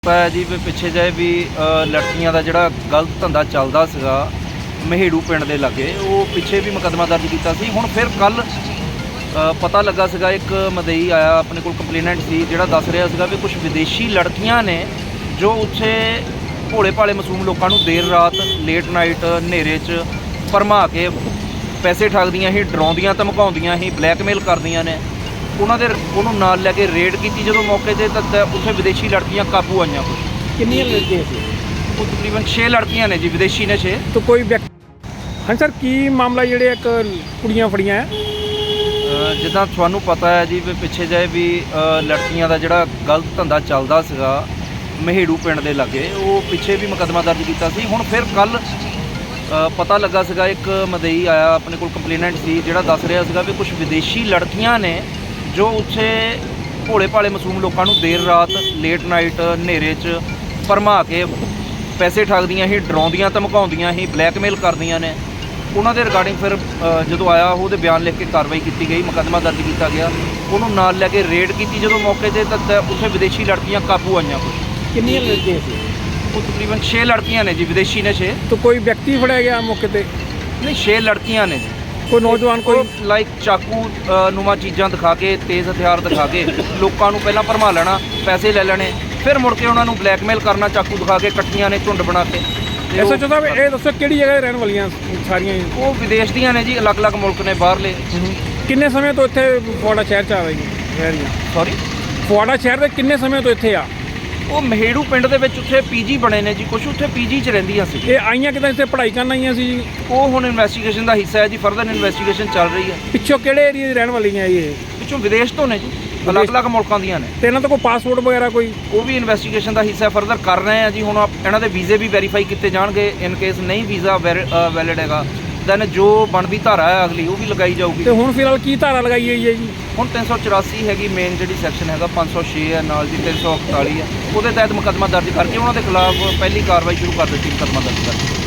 ਪਤਾ ਜੀ ਵੀ ਪਿੱਛੇ ਜਿਹੇ ਵੀ ਲੜਕੀਆਂ ਦਾ ਜਿਹੜਾ ਗਲਤ ਧੰਦਾ ਚੱਲਦਾ ਸੀਗਾ ਮਹੇੜੂ ਪਿੰਡ ਦੇ ਲਾਗੇ, ਉਹ ਪਿੱਛੇ ਵੀ ਮੁਕੱਦਮਾ ਦਰਜ ਕੀਤਾ ਸੀ। ਹੁਣ ਫਿਰ ਕੱਲ ਪਤਾ ਲੱਗਾ ਸੀਗਾ ਇੱਕ ਮਦਈ ਆਇਆ ਆਪਣੇ ਕੋਲ, ਕੰਪਲੇਨੈਂਟ ਸੀ, ਜਿਹੜਾ ਦੱਸ ਰਿਹਾ ਸੀਗਾ ਵੀ ਕੁਝ ਵਿਦੇਸ਼ੀ ਲੜਕੀਆਂ ਨੇ ਜੋ ਉੱਥੇ ਭੋਲੇ ਭਾਲੇ ਮਾਸੂਮ ਲੋਕਾਂ ਨੂੰ ਦੇਰ ਰਾਤ ਲੇਟ ਨਾਈਟ ਹਨੇਰੇ 'ਚ ਭਰਮਾ ਕੇ ਪੈਸੇ ਠੱਗਦੀਆਂ ਸੀ, ਡਰਾਉਂਦੀਆਂ ਧਮਕਾਉਂਦੀਆਂ ਸੀ, ਬਲੈਕਮੇਲ ਕਰਦੀਆਂ ਨੇ। ਉਹਨੂੰ ਨਾਲ ਲੈ ਕੇ ਰੇਡ ਕੀਤੀ ਜਦੋਂ ਮੌਕੇ 'ਤੇ, ਤਾਂ ਉੱਥੇ ਵਿਦੇਸ਼ੀ ਲੜਕੀਆਂ ਕਾਬੂ ਆਈਆਂ। ਕੁਝ ਕਿੰਨੀਆਂ ਲੜਕੀਆਂ ਸੀ? ਉਹ ਤਕਰੀਬਨ 6 ਲੜਕੀਆਂ ਨੇ ਜੀ, ਵਿਦੇਸ਼ੀ ਨੇ 6। ਤਾਂ ਕੋਈ ਹਾਂ ਸਰ, ਕੀ ਮਾਮਲਾ ਜਿਹੜੇ ਇੱਕ ਕੁੜੀਆਂ ਫੜੀਆਂ ਹੈ? ਜਿੱਦਾਂ ਤੁਹਾਨੂੰ ਪਤਾ ਹੈ ਜੀ ਵੀ ਪਿੱਛੇ ਜਿਹੇ ਵੀ ਲੜਕੀਆਂ ਦਾ ਜਿਹੜਾ ਗਲਤ ਧੰਦਾ ਚੱਲਦਾ ਸੀਗਾ ਮਹੇੜੂ ਪਿੰਡ ਦੇ ਲਾਗੇ, ਉਹ ਪਿੱਛੇ ਵੀ ਮੁਕੱਦਮਾ ਦਰਜ ਕੀਤਾ ਸੀ। ਹੁਣ ਫਿਰ ਕੱਲ ਪਤਾ ਲੱਗਾ ਸੀਗਾ ਇੱਕ ਮਦਈ ਆਇਆ ਆਪਣੇ ਕੋਲ, ਕੰਪਲੇਨੈਂਟ ਸੀ, ਜਿਹੜਾ ਦੱਸ ਰਿਹਾ ਸੀਗਾ ਵੀ ਕੁਝ ਵਿਦੇਸ਼ੀ ਲੜਕੀਆਂ ਨੇ ਜੋ ਉੱਥੇ ਭੋਲੇ ਭਾਲੇ ਮਾਸੂਮ ਲੋਕਾਂ ਨੂੰ ਦੇਰ ਰਾਤ ਲੇਟ ਨਾਈਟ ਹਨੇਰੇ 'ਚ ਭਰਮਾ ਕੇ ਪੈਸੇ ਠੱਗਦੀਆਂ ਸੀ, ਡਰਾਉਂਦੀਆਂ ਧਮਕਾਉਂਦੀਆਂ ਸੀ, ਬਲੈਕਮੇਲ ਕਰਦੀਆਂ ਨੇ। ਉਹਨਾਂ ਦੇ ਰਿਗਾਰਡਿੰਗ ਫਿਰ ਜਦੋਂ ਆਇਆ ਉਹਦੇ ਬਿਆਨ ਲਿਖ ਕੇ ਕਾਰਵਾਈ ਕੀਤੀ ਗਈ, ਮੁਕੱਦਮਾ ਦਰਜ ਕੀਤਾ ਗਿਆ। ਉਹਨੂੰ ਨਾਲ ਲੈ ਕੇ ਰੇਡ ਕੀਤੀ ਜਦੋਂ ਮੌਕੇ 'ਤੇ, ਤਾਂ ਉੱਥੇ ਵਿਦੇਸ਼ੀ ਲੜਕੀਆਂ ਕਾਬੂ ਆਈਆਂ। ਕੁਝ ਕਿੰਨੀਆਂ ਲੜਕੀਆਂ ਸੀ? ਉਹ ਤਕਰੀਬਨ 6 ਲੜਕੀਆਂ ਨੇ ਜੀ, ਵਿਦੇਸ਼ੀ ਨੇ 6। ਤਾਂ ਕੋਈ ਵਿਅਕਤੀ ਫੜਿਆ ਗਿਆ ਮੌਕੇ 'ਤੇ? ਨਹੀਂ, 6 ਲੜਕੀਆਂ ਨੇ ਜੀ। ਕੋਈ ਨੌਜਵਾਨ ਕੋਈ ਲਾਈਕ ਚਾਕੂ ਨੂੰਮਾਂ ਚੀਜ਼ਾਂ ਦਿਖਾ ਕੇ, ਤੇਜ਼ ਹਥਿਆਰ ਦਿਖਾ ਕੇ ਲੋਕਾਂ ਨੂੰ ਪਹਿਲਾਂ ਭਰਮਾ ਲੈਣਾ, ਪੈਸੇ ਲੈ ਲੈਣੇ, ਫਿਰ ਮੁੜ ਕੇ ਉਹਨਾਂ ਨੂੰ ਬਲੈਕਮੇਲ ਕਰਨਾ, ਚਾਕੂ ਦਿਖਾ ਕੇ ਇਕੱਠੀਆਂ ਨੇ ਝੁੰਡ ਬਣਾ ਕੇ। ਐਸਾ ਚਾਹੁੰਦਾ ਵੀ ਇਹ ਦੱਸੋ ਕਿਹੜੀ ਜਗ੍ਹਾ 'ਤੇ ਰਹਿਣ ਵਾਲੀਆਂ ਸਾਰੀਆਂ? ਉਹ ਵਿਦੇਸ਼ ਦੀਆਂ ਨੇ ਜੀ, ਅਲੱਗ-ਅਲੱਗ ਮੁਲਕ ਨੇ ਬਾਹਰਲੇ। ਕਿੰਨੇ ਸਮੇਂ ਤੋਂ ਇੱਥੇ ਫਗਵਾੜਾ ਸ਼ਹਿਰ 'ਚ ਆ ਰਹੀਆਂ? ਸੌਰੀ, ਫਗਵਾੜਾ ਸ਼ਹਿਰ ਦੇ ਕਿੰਨੇ ਸਮੇਂ ਤੋਂ ਇੱਥੇ ਆ? ਉਹ ਮਹੇੜੂ ਪਿੰਡ ਦੇ ਵਿੱਚ ਉੱਥੇ ਪੀਜੀ ਬਣੇ ਨੇ ਜੀ, ਕੁਝ ਉੱਥੇ ਪੀਜੀ 'ਚ ਰਹਿੰਦੀਆਂ ਸੀ। ਇਹ ਆਈਆਂ ਕਿਦਾਂ ਇੱਥੇ ਪੜ੍ਹਾਈ ਕਰਨ ਆਈਆਂ ਸੀ ਜੀ? ਉਹ ਹੁਣ ਇਨਵੈਸਟੀਗੇਸ਼ਨ ਦਾ ਹਿੱਸਾ ਹੈ ਜੀ, ਫਰਦਰ ਇਨਵੈਸਟੀਗੇਸ਼ਨ ਚੱਲ ਰਹੀ ਹੈ। ਪਿੱਛੋਂ ਕਿਹੜੇ ਏਰੀਆ ਦੀ ਰਹਿਣ ਵਾਲੀਆਂ ਇਹ? ਪਿੱਛੋਂ ਵਿਦੇਸ਼ ਤੋਂ ਨੇ ਜੀ, ਅਲੱਗ-ਅਲੱਗ ਮੁਲਕਾਂ ਦੀਆਂ ਨੇ। ਤੇ ਇਹਨਾਂ ਦਾ ਕੋਈ ਪਾਸਪੋਰਟ ਵਗੈਰਾ ਕੋਈ? ਉਹ ਵੀ ਇਨਵੈਸਟੀਗੇਸ਼ਨ ਦਾ ਹਿੱਸਾ ਫਰਦਰ ਕਰ ਰਹੇ ਆ ਜੀ। ਹੁਣ ਇਹਨਾਂ ਦੇ ਵੀਜ਼ੇ ਵੀ ਵੈਰੀਫਾਈ ਕੀਤੇ ਜਾਣਗੇ। ਇਨ ਕੇਸ ਨਹੀਂ ਵੀਜ਼ਾ ਵੈਲਿਡ ਹੈਗਾ, ਦੈਨ ਜੋ ਬਣਦੀ ਧਾਰਾ ਹੈ ਅਗਲੀ ਉਹ ਵੀ ਲਗਾਈ ਜਾਊਗੀ। ਤੇ ਹੁਣ ਫਿਲਹਾਲ ਕੀ ਧਾਰਾ ਲਗਾਈ ਹੋਈ ਹੈ ਜੀ? ਹੁਣ 384 ਹੈਗੀ ਮੇਨ ਜਿਹੜੀ ਸੈਕਸ਼ਨ ਹੈਗਾ, 506 ਹੈ ਨਾਲ ਜੀ, 341 ਹੈ, ਉਹਦੇ ਤਹਿਤ ਮੁਕੱਦਮਾ ਦਰਜ ਕਰਕੇ ਉਹਨਾਂ ਦੇ ਖਿਲਾਫ ਪਹਿਲੀ ਕਾਰਵਾਈ ਸ਼ੁਰੂ ਕਰ ਦਿੱਤੀ, ਮੁਕੱਦਮਾ ਦਰਜ ਕਰਕੇ।